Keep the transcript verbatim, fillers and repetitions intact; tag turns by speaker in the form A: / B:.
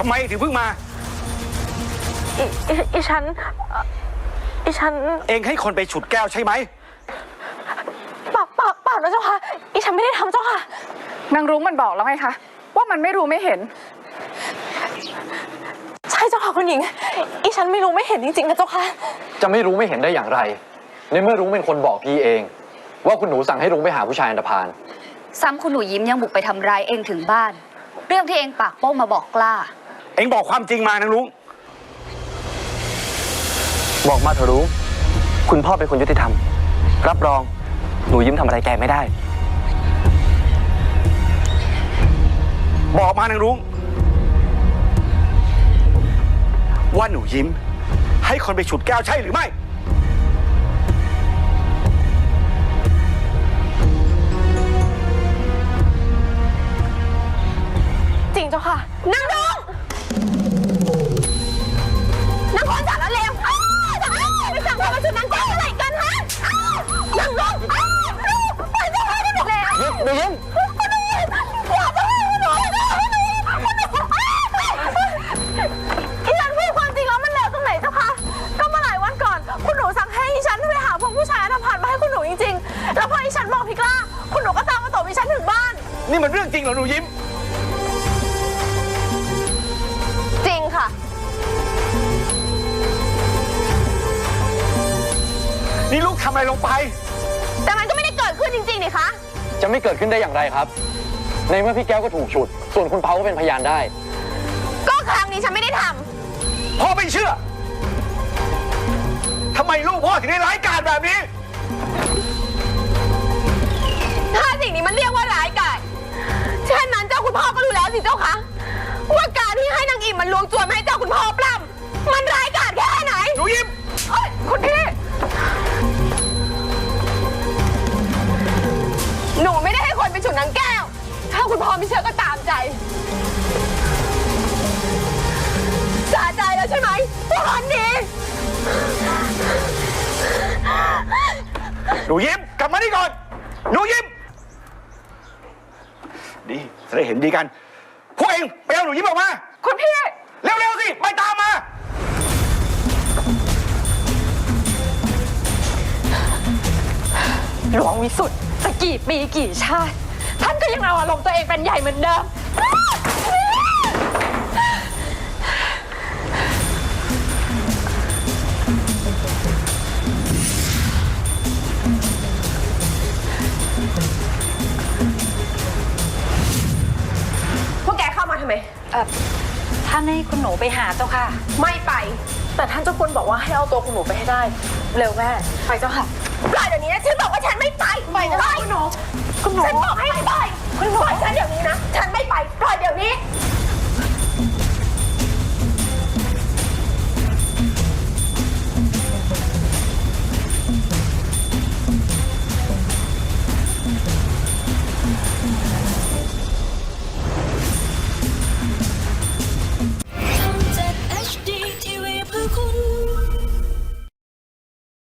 A: ไมถึงเพิ่งมา
B: อีอีฉันอีฉัน
A: เองให้คนไปฉุดแก้วใช่ไหม
B: เปล่าเปล่าเปล่านะเจ้าค่ะอีฉันไม่ได้ทำเจ้าค่ะ
C: นางรุ้งมันบอกแล้วไงคะว่ามันไม่รู้ไม่เห็น
B: ใช่เจ้าค่ะคุณหญิงอีฉันไม่รู้ไม่เห็นจริงๆนะเจ้าค่ะ
D: จะไม่รู้ไม่เห็นได้อย่างไรในเมื่อรุ้งเป็นคนบอกพี่เองว่าคุณหนูสั่งให้รุ้งไปหาผู้ชายอันธพาล
E: ซ้ำคุณหนูยิ้มยังบุกไปทำร้ายเองถึงบ้านเรื่องที่เองปากโป้งมาบอกกล้า
A: เองบอกความจริงมานางรุ้ง
F: บอกมาเถอะรุ้งคุณพ่อเป็นคนยุติธรรมรับรองหนูยิ้มทำอะไรแกไม่ได้
A: บอกมานางรุ้งว่าหนูยิ้มให้คนไปฉุดแก้วใช่หรือไม่
B: จริงเจ้าค่ะนางรุ้งนางคนจัดแล้วเลวไปสั่งคนมาฉุดนางแก้วอะไรกันฮะนางรุ้งไปเจ้าค่ะที่บอกแล้ว
D: หนูยิ้ม
B: อีฉันพูดความจริงแล้วมันเลวตรงไหนเจ้าคะก็เมื่อหลายวันก่อนคุณหนูสั่งให้อีฉันไปหาพวกผู้ชายอันธพาลมาให้คุณหนูจริงๆแล้วพออีฉันบอกพี่กล้าคุณหนูก็ตามมาตบอีฉันถึงบ้าน
A: นี่มันเรื่องจริงเหรอหนูยิ้ม
B: จริงค่ะ
A: นี่ลูกทำอะไรลงไป
B: แต่มันก็ไม่ได้เกิดขึ้นจริงๆนี่คะ
D: จะไม่เกิดขึ้นได้อย่างไรครับในเมื่อพี่แก้วก็ถูกฉุดส่วนคุณเปาก็เป็นพยานได้
B: ก็ครั้งนี้ฉันไม่ได้ทำ
A: พ่อไม่เชื่อทำไมลูกพ่อถึงได้ร้ายกาจแบบนี้
B: ถ้าสิ่งนี้มันเรียกว่าร้ายกาจเช่นนั้นเจ้าคุณพ่อก็รู้แล้วสิเจ้าคะว่าการที่ให้นางอิ่มมันลวงจวนให้เจ้าคุณพ่อปล้ำมันร้ายกาจแค่ไหน
A: หนูยิ้ม
B: คุณพี่หนูไม่ได้ให้คนไปฉุดนางแก้วถ้าคุณพ่อไม่เชื่อก็ตามใจสะใจแล้วใช่ไหมวันนี้
A: หนูยิ้มกลับมานี่ก่อนหนูยิ้มดีจะได้เห็นดีกันพวกเองไปเอาหนูยิ้มออกมา
B: คุณพี่
A: เร็วๆสิไปตามมา
B: หลวงวิสุทธิ์จะกี่ปีกี่ชาติท่านก็ยังเอาอารมณ์ตัวเองเป็นใหญ่เหมือนเดิมพวกแกเข้ามาทำไม
E: เออท่านให้คุณหนูไปหาเจ้าค่ะ
B: ไม่ไปแต่ท่านเจ้าคุณบอกว่าให้เอาตัวคุณหนูไปให้ได้เร็วแม่ไปเจ้าค่ะปล่อยเดี๋ยวนี้นะฉันบอกว่าฉันไม่ไปไปเจ้าค่ะคุณหนูคุณหนูฉันบอกให้